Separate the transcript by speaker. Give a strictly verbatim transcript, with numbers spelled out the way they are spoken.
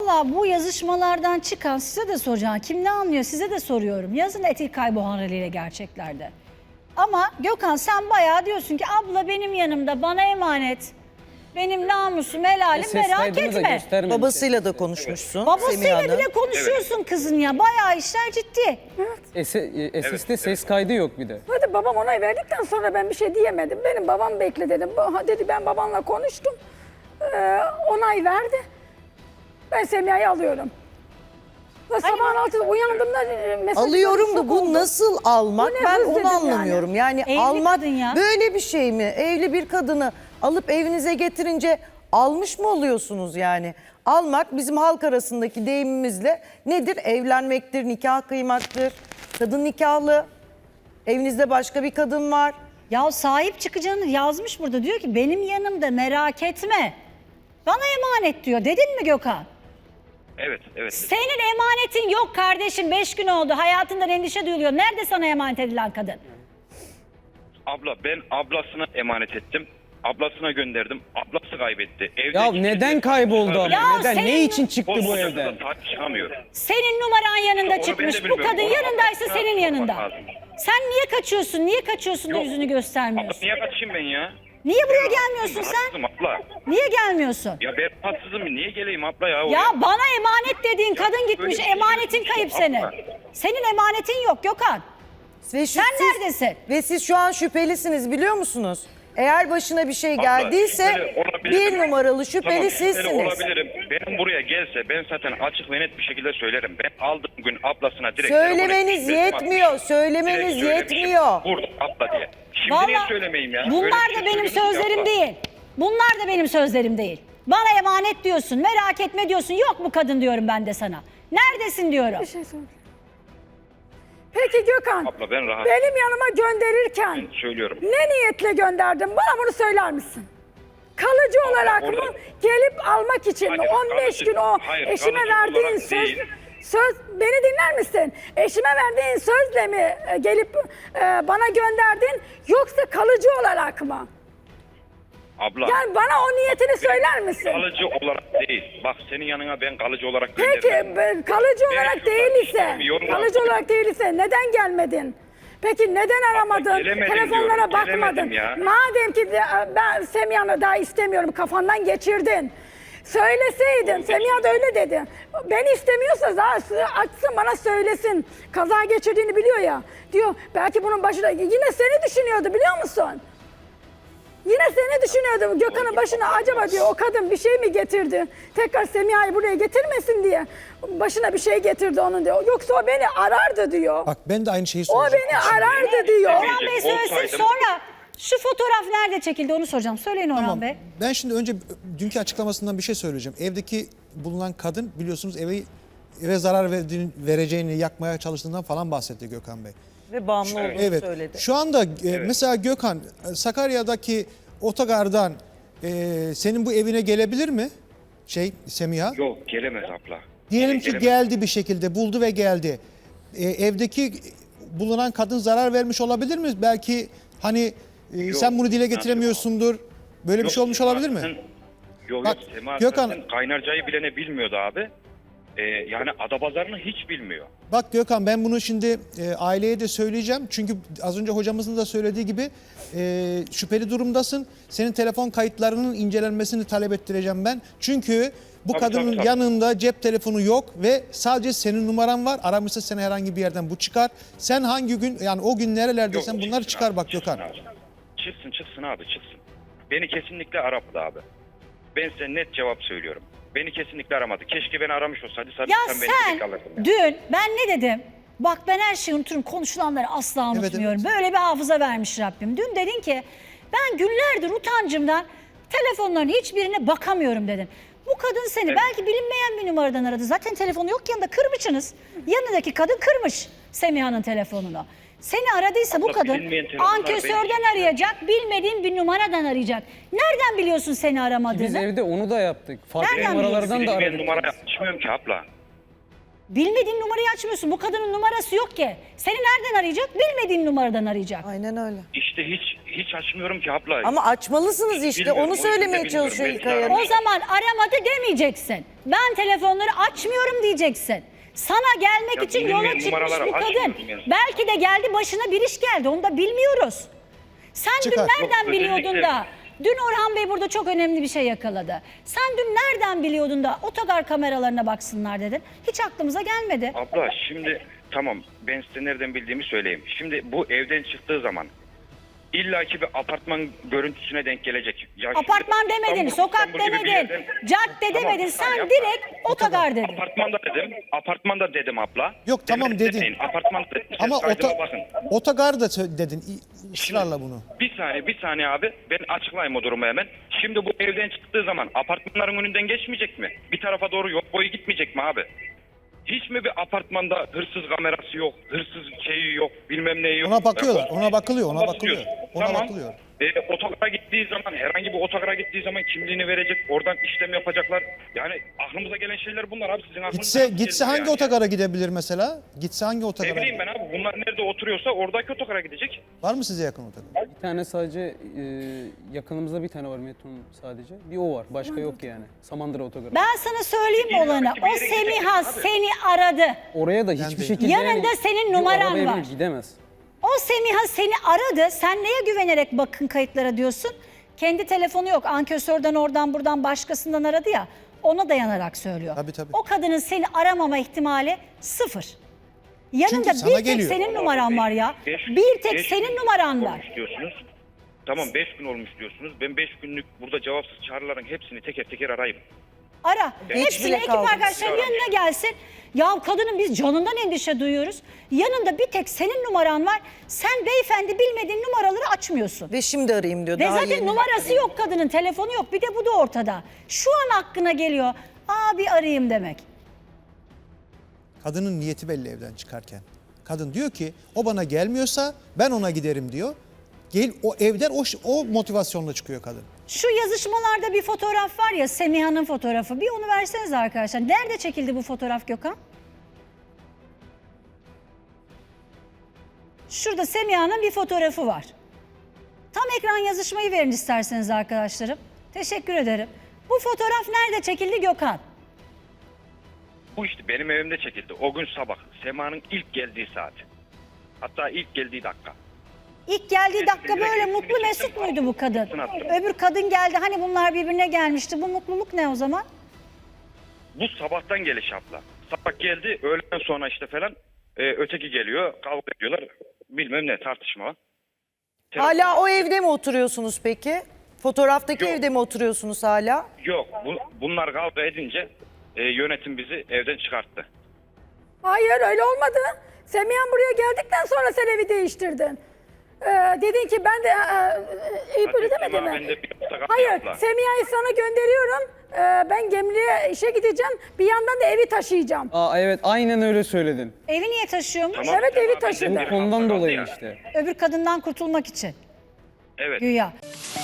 Speaker 1: Valla bu yazışmalardan çıkan size de soracağım. Kim ne anlıyor size de soruyorum. Yazın Etik Kayboğan haliyle gerçeklerde. Ama Gökhan sen bayağı diyorsun ki abla benim yanımda bana emanet. Benim namusum helalim merak etme.
Speaker 2: Babasıyla da konuşmuşsun.
Speaker 1: Babasıyla bile konuşuyorsun evet. Kızın ya. Bayağı işler ciddi.
Speaker 3: Evet. S S'te evet. Ses kaydı yok bir de.
Speaker 4: Hadi babam onay verdikten sonra ben bir şey diyemedim. Benim babam bekle dedim. Dedi ben babanla konuştum. Ee, onay verdi. Ben Semiha'yı alıyorum. Ve sabahın altında uyandığımda mesaj
Speaker 2: alıyorum da bu oldu. Nasıl almak? Bu ben onu anlamıyorum. Yani, yani almak
Speaker 1: ya.
Speaker 2: böyle bir şey mi? Evli bir kadını alıp evinize getirince almış mı oluyorsunuz yani? Almak bizim halk arasındaki deyimimizle nedir? Evlenmektir, nikah kıymaktır. Kadın nikahlı. Evinizde başka bir kadın var.
Speaker 1: Ya sahip çıkacağını yazmış burada. Diyor ki benim yanımda merak etme. Bana emanet diyor. Dedin mi Gökhan?
Speaker 5: Evet, evet.
Speaker 1: Senin emanetin yok kardeşim. Beş gün oldu. Hayatından endişe duyuluyor. Nerede sana emanet edilen kadın?
Speaker 5: Abla ben ablasına emanet ettim. Ablasına gönderdim. Ablası kaybetti. Evde
Speaker 3: ya neden kayboldu abi?
Speaker 1: Ya
Speaker 3: neden?
Speaker 1: senin...
Speaker 3: Ne için çıktı bu evden?
Speaker 5: Senin
Speaker 1: numaran yanında ya çıkmış. Bu kadın yanındaysa senin yanında. Sen niye kaçıyorsun? Niye kaçıyorsun da yüzünü göstermiyorsun?
Speaker 5: Abla, niye kaçayım ben ya?
Speaker 1: Niye buraya ben gelmiyorsun sen?
Speaker 5: Abla.
Speaker 1: Niye gelmiyorsun?
Speaker 5: Ya ben rahatsızım. Niye geleyim abla ya?
Speaker 1: Ya bana emanet dediğin ya, kadın gitmiş. Şey emanetin kayıp senin. Senin emanetin yok Gökhan. Ve şu, sen siz, neredesin?
Speaker 2: Ve siz şu an şüphelisiniz biliyor musunuz? Eğer başına bir şey geldiyse bir numaralı şüpheli tamam, sizsiniz.
Speaker 5: Olabilirim. Benim buraya gelse ben zaten açık ve net bir şekilde söylerim. Ben aldığım gün ablasına direkt...
Speaker 2: Söylemeniz yetmiyor. Söylemeniz yetmiyor.
Speaker 5: Burada abla diye. Şimdi
Speaker 1: vallahi,
Speaker 5: niye söylemeyeyim ya?
Speaker 1: Bunlar da benim sözlerim değil. Bunlar da benim sözlerim değil. Bana emanet diyorsun, merak etme diyorsun. Yok bu kadın diyorum ben de sana. Neredesin diyorum.
Speaker 4: Bir şey söyleyeyim. Peki Gökhan,
Speaker 5: abla, ben rahat.
Speaker 4: benim yanıma gönderirken ben
Speaker 5: söylüyorum.
Speaker 4: Ne niyetle gönderdin? Bana bunu söyler misin? Kalıcı abla, olarak orada... mı? Gelip almak için hayır, mi? on beş kalıcı, gün o hayır, eşime verdiğin söz, söz... Beni dinler misin? Eşime verdiğin sözle mi gelip e, bana gönderdin? Yoksa kalıcı olarak mı?
Speaker 5: Abla.
Speaker 4: Yani bana o niyetini söyler misin?
Speaker 5: Kalıcı olarak değil. Bak senin yanına ben kalıcı olarak
Speaker 4: gönderdim. Peki kalıcı ben olarak değil ise, kalıcı olarak değil ise neden gelmedin? Peki neden aramadın?
Speaker 5: Abla,
Speaker 4: telefonlara
Speaker 5: diyorum,
Speaker 4: bakmadın? Madem ki ben Semiha'nı daha istemiyorum kafandan geçirdin. Söyleseydin, Semiha da öyle dedi. Ben istemiyorsa açsın bana söylesin. Kaza geçirdiğini biliyor ya. Diyor belki bunun başına yine seni düşünüyordu biliyor musun? Yine seni düşünüyordum. Gökhan'ın başına acaba diyor o kadın bir şey mi getirdi? Tekrar Semiha'yı buraya getirmesin diye. Başına bir şey getirdi onun diyor. Yoksa o beni arardı diyor.
Speaker 6: Bak ben de aynı şeyi
Speaker 4: O
Speaker 6: soracağım.
Speaker 4: beni arardı diyor.
Speaker 1: Orhan Bey söylesin sonra. Şu fotoğraf nerede çekildi onu soracağım. Söyleyin Orhan tamam. Bey.
Speaker 6: Ben şimdi önce dünkü açıklamasından bir şey söyleyeceğim. Evdeki bulunan kadın biliyorsunuz evi eve zarar verdiğini, vereceğini yakmaya çalıştığından falan bahsetti Gökhan Bey.
Speaker 2: Ve bağımlı olduğunu
Speaker 6: evet.
Speaker 2: söyledi.
Speaker 6: Şu anda evet. mesela Gökhan Sakarya'daki otogardan e, senin bu evine gelebilir mi? Şey Semiha?
Speaker 5: Yok gelemez abla.
Speaker 6: Diyelim
Speaker 5: Gele,
Speaker 6: ki
Speaker 5: gelemez.
Speaker 6: geldi bir şekilde buldu ve geldi. E, evdeki bulunan kadın zarar vermiş olabilir mi? Belki hani e, yok, sen bunu dile getiremiyorsundur. Böyle yok, bir şey olmuş
Speaker 5: Sema,
Speaker 6: olabilir mi?
Speaker 5: Sen, yok
Speaker 6: Bak,
Speaker 5: yok Sema
Speaker 6: Gökhan,
Speaker 5: kaynarcayı bilene bilmiyordu abi. Ee, yani Adapazarı'nı hiç bilmiyor.
Speaker 6: Bak Gökhan ben bunu şimdi e, aileye de söyleyeceğim. Çünkü az önce hocamızın da söylediği gibi e, şüpheli durumdasın. Senin telefon kayıtlarının incelenmesini talep ettireceğim ben. Çünkü bu
Speaker 5: tabii,
Speaker 6: kadının
Speaker 5: tabii, tabii.
Speaker 6: yanında cep telefonu yok ve sadece senin numaran var. Aramışsa seni herhangi bir yerden bu çıkar. Sen hangi gün yani o gün nerelerdeysen yok, bunları çıkar
Speaker 5: abi,
Speaker 6: bak Gökhan.
Speaker 5: Abi. Çıksın çıksın abi çıksın. Beni kesinlikle aramadı abi. Ben size net cevap söylüyorum. Beni kesinlikle aramadı. Keşke beni aramış olsaydı.
Speaker 1: Ya sen, sen dün ben ne dedim? Bak ben her şeyi unuturum. Konuşulanları asla unutmuyorum. Evet, evet. Böyle bir hafıza vermiş Rabbim. Dün dedin ki ben günlerdir utancımdan telefonların hiçbirine bakamıyorum dedin. Bu kadın seni evet. belki bilinmeyen bir numaradan aradı. Zaten telefonu yok yanında kırmışsınız. Yanındaki kadın kırmış Semiha'nın telefonunu. Seni aradıysa abla, bu kadın ankesörden arayacak, bilmediğin bir numaradan arayacak. Nereden biliyorsun seni aramadığını?
Speaker 3: Biz evde onu da yaptık. Farklı numaralardan da aradık.
Speaker 5: Ben numara açmıyorum ki abla.
Speaker 1: Bilmediğin numarayı açmıyorsun. Bu kadının numarası yok ki. Seni nereden arayacak? Bilmediğin numaradan arayacak.
Speaker 2: Aynen öyle.
Speaker 5: İşte hiç hiç açmıyorum ki abla.
Speaker 2: Ama açmalısınız işte.
Speaker 5: Bilmiyorum,
Speaker 2: Onu
Speaker 5: o yüzden
Speaker 2: söylemeye
Speaker 5: bilmiyorum.
Speaker 2: çalışıyor
Speaker 5: Belki
Speaker 2: İlkay
Speaker 5: de
Speaker 2: Hanım.
Speaker 1: O zaman aramadı demeyeceksin. Ben telefonları açmıyorum diyeceksin. Sana gelmek
Speaker 5: Ya
Speaker 1: için
Speaker 5: bilmiyorum,
Speaker 1: yola çıkmış
Speaker 5: numaraları
Speaker 1: bu kadın.
Speaker 5: açmıyorum yani.
Speaker 1: Belki de geldi başına bir iş geldi. Onu da bilmiyoruz. Sen
Speaker 6: Çıkar.
Speaker 1: dün nereden
Speaker 5: Yok,
Speaker 1: biliyordun
Speaker 5: özellikle-
Speaker 1: da? Dün Orhan Bey burada çok önemli bir şey yakaladı. Sen dün nereden biliyordun da otogar kameralarına baksınlar dedin. Hiç aklımıza gelmedi.
Speaker 5: Abla şimdi tamam ben size nereden bildiğimi söyleyeyim. Şimdi bu evden çıktığı zaman illaki bir apartman görüntüsüne denk gelecek. Ya şimdi
Speaker 1: Apartman demedin,
Speaker 5: İstanbul-
Speaker 1: sokak
Speaker 5: İstanbul gibi bir
Speaker 1: demedin,
Speaker 5: yerden-
Speaker 1: cadde
Speaker 5: Tamam,
Speaker 1: demedin.
Speaker 5: bir
Speaker 1: Sen
Speaker 5: saniye abla.
Speaker 1: direkt otogar dedin.
Speaker 5: Apartmanda dedim. Apartmanda dedim abla.
Speaker 6: Yok, tamam
Speaker 5: Demedim
Speaker 6: dedin.
Speaker 5: demeyin, Apartmanda dedim.
Speaker 6: Ama
Speaker 5: Ses kaydına
Speaker 6: ota,
Speaker 5: bakın.
Speaker 6: otogar da sö- dedin i- ısrarla bunu.
Speaker 5: Bir saniye bir saniye abi. Ben açıklayayım o durumu hemen. Şimdi bu evden çıktığı zaman apartmanların önünden geçmeyecek mi? Bir tarafa doğru yol boyu gitmeyecek mi abi? Hiç mi bir apartmanda hırsız kamerası yok, hırsız şeyi yok, bilmem neyi yok?
Speaker 6: Ona bakıyorlar,
Speaker 5: Ben-
Speaker 6: ona bakılıyor, ona
Speaker 5: Bakıyor.
Speaker 6: bakılıyor. Ona
Speaker 5: Tamam.
Speaker 6: bakılıyor.
Speaker 5: E, otogara gittiği zaman, herhangi bir otogara gittiği zaman kimliğini verecek, oradan işlem yapacaklar. Yani aklımıza gelen şeyler bunlar abi. Sizin aklınıza
Speaker 6: Gitse
Speaker 5: nasıl
Speaker 6: gitse
Speaker 5: geliyor
Speaker 6: hangi
Speaker 5: yani?
Speaker 6: otogara gidebilir mesela? Gitse hangi
Speaker 5: Ne
Speaker 6: otogara?
Speaker 5: bileyim ben abi, bunlar nerede oturuyorsa oradaki otogara gidecek.
Speaker 6: Var mı size yakın otogar?
Speaker 3: Bir tane sadece e, yakınımızda bir tane var metronun sadece. Bir o var. Başka yok yani. Samandıra otogarı.
Speaker 1: Ben sana söyleyeyim mi
Speaker 5: İlla
Speaker 1: olanı?
Speaker 5: ki bir
Speaker 1: O
Speaker 5: yere
Speaker 1: Semiha
Speaker 5: gideceksin abi.
Speaker 1: seni aradı.
Speaker 3: Oraya da hiçbir
Speaker 6: değil.
Speaker 3: şekilde
Speaker 1: Yanında senin
Speaker 3: bir
Speaker 1: numaran
Speaker 3: arabaya
Speaker 1: var.
Speaker 3: binip gidemez.
Speaker 1: O Semiha seni aradı. Sen neye güvenerek bakın kayıtlara diyorsun? Kendi telefonu yok. Ankesörden oradan buradan başkasından aradı ya. Ona dayanarak söylüyor.
Speaker 6: Tabii, tabii.
Speaker 1: O kadının seni aramama ihtimali sıfır. Yanında
Speaker 6: Çünkü sana
Speaker 1: bir tek
Speaker 6: geliyor.
Speaker 1: senin numaran var ya.
Speaker 5: Beş-
Speaker 1: Bir tek
Speaker 5: beş
Speaker 1: senin
Speaker 5: gün
Speaker 1: numaran var.
Speaker 5: olmuş diyorsunuz. Tamam beş gün olmuş diyorsunuz. Ben beş günlük burada cevapsız çağrıların hepsini teker teker arayayım.
Speaker 1: Ara.
Speaker 2: Hiç
Speaker 1: Hepsini
Speaker 2: bile
Speaker 1: ekip
Speaker 2: kalmadı.
Speaker 1: arkadaşlarının yanına gelsin. Ya kadının biz canından endişe duyuyoruz. Yanında bir tek senin numaran var. Sen beyefendi bilmediğin numaraları açmıyorsun.
Speaker 2: Ve şimdi arayayım diyor.
Speaker 1: Ve
Speaker 2: Daha
Speaker 1: zaten
Speaker 2: yeni.
Speaker 1: numarası yok kadının, telefonu yok. Bir de bu da ortada. Şu an aklına geliyor. Aa bir arayayım demek.
Speaker 6: Kadının niyeti belli evden çıkarken. Kadın diyor ki o bana gelmiyorsa ben ona giderim diyor. Gel o evden o, o motivasyonla çıkıyor kadın.
Speaker 1: Şu yazışmalarda bir fotoğraf var ya, Semiha'nın fotoğrafı. Bir onu verseniz arkadaşlar. Nerede çekildi bu fotoğraf Gökhan? Şurada Semiha'nın bir fotoğrafı var. Tam ekran yazışmayı verin isterseniz arkadaşlarım. Teşekkür ederim. Bu fotoğraf nerede çekildi Gökhan?
Speaker 5: Bu işte benim evimde çekildi. O gün sabah. Sema'nın ilk geldiği saat. Hatta ilk geldiği dakika.
Speaker 1: İlk geldiği dakika
Speaker 5: Direkt
Speaker 1: böyle
Speaker 5: resmini
Speaker 1: mutlu
Speaker 5: çektim,
Speaker 1: mesut muydu bu kadın?
Speaker 5: fotoğrafını attım.
Speaker 1: Öbür kadın geldi, hani bunlar birbirine gelmişti. Bu mutluluk ne o zaman?
Speaker 5: Bu sabahtan geliş abla. Sabah geldi, öğleden sonra işte falan e, öteki geliyor, kavga ediyorlar. Bilmem ne tartışma var.
Speaker 2: Hala o evde mi oturuyorsunuz peki? Fotoğraftaki
Speaker 5: Yok.
Speaker 2: evde mi oturuyorsunuz hala?
Speaker 5: Yok, bu, bunlar kavga edince e, yönetim bizi evden çıkarttı.
Speaker 4: Hayır öyle olmadı. Semiha buraya geldikten sonra sen evi değiştirdin. Ee, dedin ki ben de e, Eyüp öyle
Speaker 5: Hadi
Speaker 4: demedi
Speaker 5: Sema,
Speaker 4: mi?
Speaker 5: ben de bir hafta kaldım
Speaker 4: Hayır
Speaker 5: abla.
Speaker 4: Semiha'yı sana gönderiyorum. Ee, ben Gemli'ye işe gideceğim. Bir yandan da evi taşıyacağım.
Speaker 3: Aa evet aynen öyle söyledin.
Speaker 1: Evi niye taşıyormuş?
Speaker 5: Tamam,
Speaker 4: Evet,
Speaker 5: Sema,
Speaker 4: evi
Speaker 5: ben de
Speaker 4: taşıdı.
Speaker 5: bir
Speaker 3: Bu
Speaker 5: hafta
Speaker 3: konudan
Speaker 5: kaldı
Speaker 3: dolayı
Speaker 5: ya.
Speaker 3: işte.
Speaker 1: Öbür kadından kurtulmak için.
Speaker 5: Evet.
Speaker 1: Güya.